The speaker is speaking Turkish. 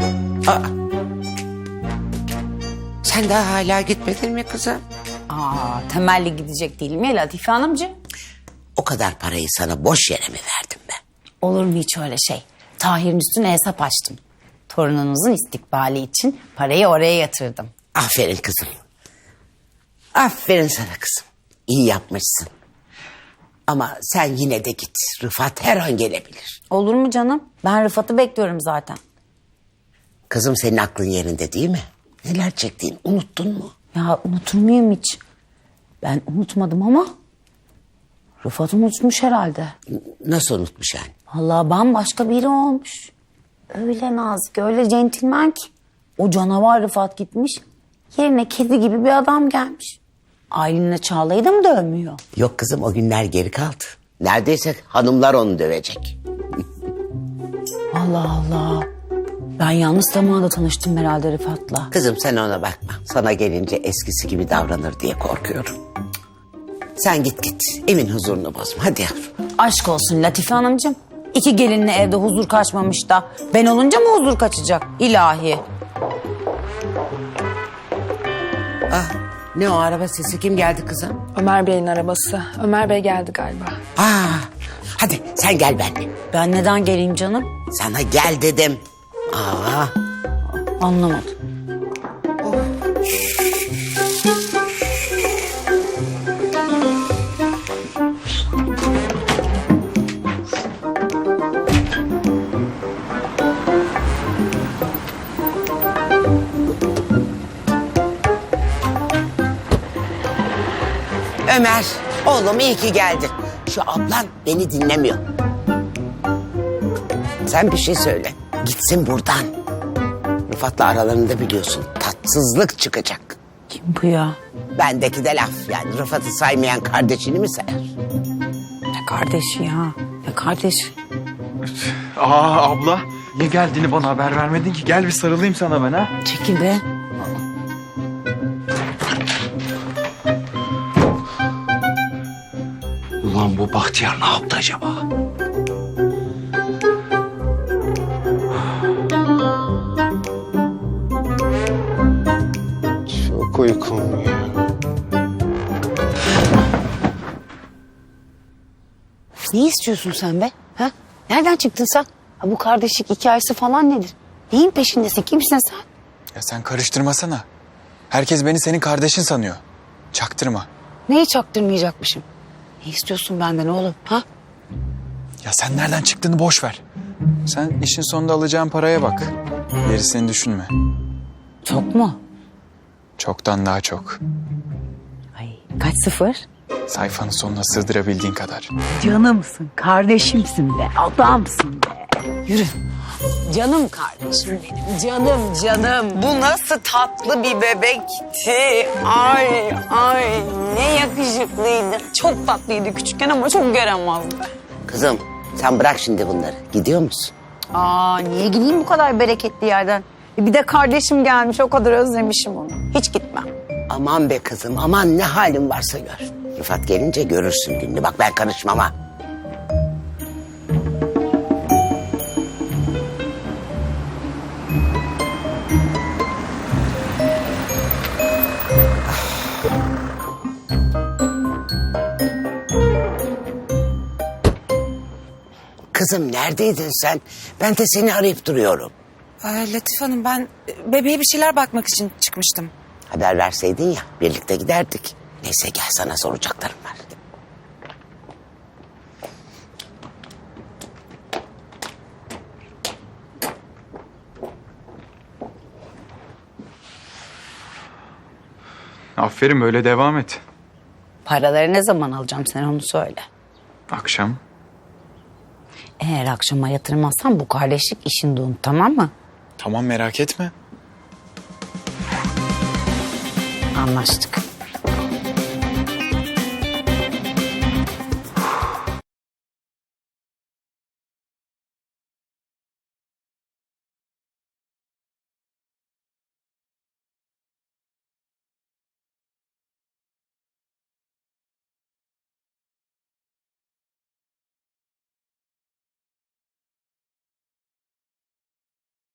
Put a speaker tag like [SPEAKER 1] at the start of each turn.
[SPEAKER 1] Aa. Sen daha hala gitmedin mi kızım?
[SPEAKER 2] Temelli gidecek değilim ya Latife Hanımcığım.
[SPEAKER 1] O kadar parayı sana boş yere mi verdim ben?
[SPEAKER 2] Olur mu hiç öyle şey? Tahir'in üstüne hesap açtım. Torununuzun istikbali için parayı oraya yatırdım.
[SPEAKER 1] Aferin kızım. Aferin sana kızım. İyi yapmışsın. Ama sen yine de git. Rıfat her an gelebilir.
[SPEAKER 2] Olur mu canım? Ben Rıfat'ı bekliyorum zaten.
[SPEAKER 1] Kızım senin aklın yerinde değil mi? Neler çektiğini unuttun mu?
[SPEAKER 2] Ya unutur muyum hiç? Ben unutmadım ama Rıfat unutmuş herhalde.
[SPEAKER 1] Nasıl unutmuş yani?
[SPEAKER 2] Vallahi bambaşka biri olmuş. Öyle nazik, öyle centilmen ki. O canavar Rıfat gitmiş. Yerine kedi gibi bir adam gelmiş. Aylin'le Çağla'yı da mı dövmüyor?
[SPEAKER 1] Yok kızım, o günler geri kaldı. Neredeyse hanımlar onu dövecek.
[SPEAKER 2] Allah Allah. Ben yanlış zamanda tanıştım herhalde Rıfat'la.
[SPEAKER 1] Kızım sen ona bakma. Sana gelince eskisi gibi davranır diye korkuyorum. Sen git. Evin huzurunu bozma. Hadi yavrum.
[SPEAKER 2] Aşk olsun Latife Hanımcığım. İki gelinle evde huzur kaçmamış da ben olunca mı huzur kaçacak? İlahi.
[SPEAKER 1] Ne o araba sesi, kim geldi kızım?
[SPEAKER 3] Ömer Bey'in arabası. Ömer Bey geldi galiba.
[SPEAKER 1] Hadi sen gel benimle.
[SPEAKER 2] Ben neden geleyim canım?
[SPEAKER 1] Sana gel dedim.
[SPEAKER 2] Anlamadım.
[SPEAKER 1] Ömer, oğlum iyi ki geldin. Şu ablan beni dinlemiyor. Sen bir şey söyle. Gitsin buradan. Rıfat'la aralarında biliyorsun tatsızlık çıkacak.
[SPEAKER 2] Kim bu ya?
[SPEAKER 1] Bendeki de laf yani, Rıfat'ı saymayan kardeşini mi sayar?
[SPEAKER 2] Ne kardeşi ya? Ne kardeş?
[SPEAKER 4] Abla, niye geldiğini bana haber vermedin ki? Gel bir sarılayım sana ben ha.
[SPEAKER 2] Çekil be.
[SPEAKER 4] Ulan bu Bahtiyar ne yaptı acaba?
[SPEAKER 5] Çok uykum ya.
[SPEAKER 2] Ne istiyorsun sen be? Ha? Nereden çıktın sen? Ha, bu kardeşlik hikayesi falan nedir? Neyin peşindesin? Kimsin sen?
[SPEAKER 4] Ya sen karıştırmasana. Herkes beni senin kardeşin sanıyor. Çaktırma.
[SPEAKER 2] Neyi çaktırmayacakmışım? Ne istiyorsun benden oğlum? Ha?
[SPEAKER 4] Ya sen nereden çıktığını boş ver. Sen işin sonunda alacağın paraya bak. Gerisini düşünme.
[SPEAKER 2] Çok mu?
[SPEAKER 4] Çoktan daha çok.
[SPEAKER 2] Ay, kaç sıfır?
[SPEAKER 4] Sayfanın sonuna sığdırabildiğin kadar.
[SPEAKER 2] Canımsın, kardeşimsin be, adamsın be. Yürü. Canım kardeşim benim, canım. Bu nasıl tatlı bir bebekti. Ay, ne yakışıklıydı. Çok tatlıydı küçükken ama çok yaramazdı.
[SPEAKER 1] Kızım sen bırak şimdi bunları. Gidiyor musun?
[SPEAKER 2] Niye gideyim bu kadar bereketli yerden? Bir de kardeşim gelmiş, o kadar özlemişim onu. Hiç gitmem.
[SPEAKER 1] Aman be kızım, aman ne halin varsa gör. Rıfat gelince görürsün gününü. Bak ben karışmam ha. Kızım neredeydin sen? Ben de seni arayıp duruyorum.
[SPEAKER 6] Latife Hanım, ben bebeğe bir şeyler bakmak için çıkmıştım.
[SPEAKER 1] Haber verseydin ya, birlikte giderdik. Neyse gel, sana soracaklarım var.
[SPEAKER 4] Aferin, böyle devam et.
[SPEAKER 2] Paraları ne zaman alacağım, sen onu söyle.
[SPEAKER 4] Akşam.
[SPEAKER 2] Eğer akşama yatırmazsan bu kardeşlik işini unut, tamam mı?
[SPEAKER 4] Tamam, merak etme.
[SPEAKER 2] Anlaştık.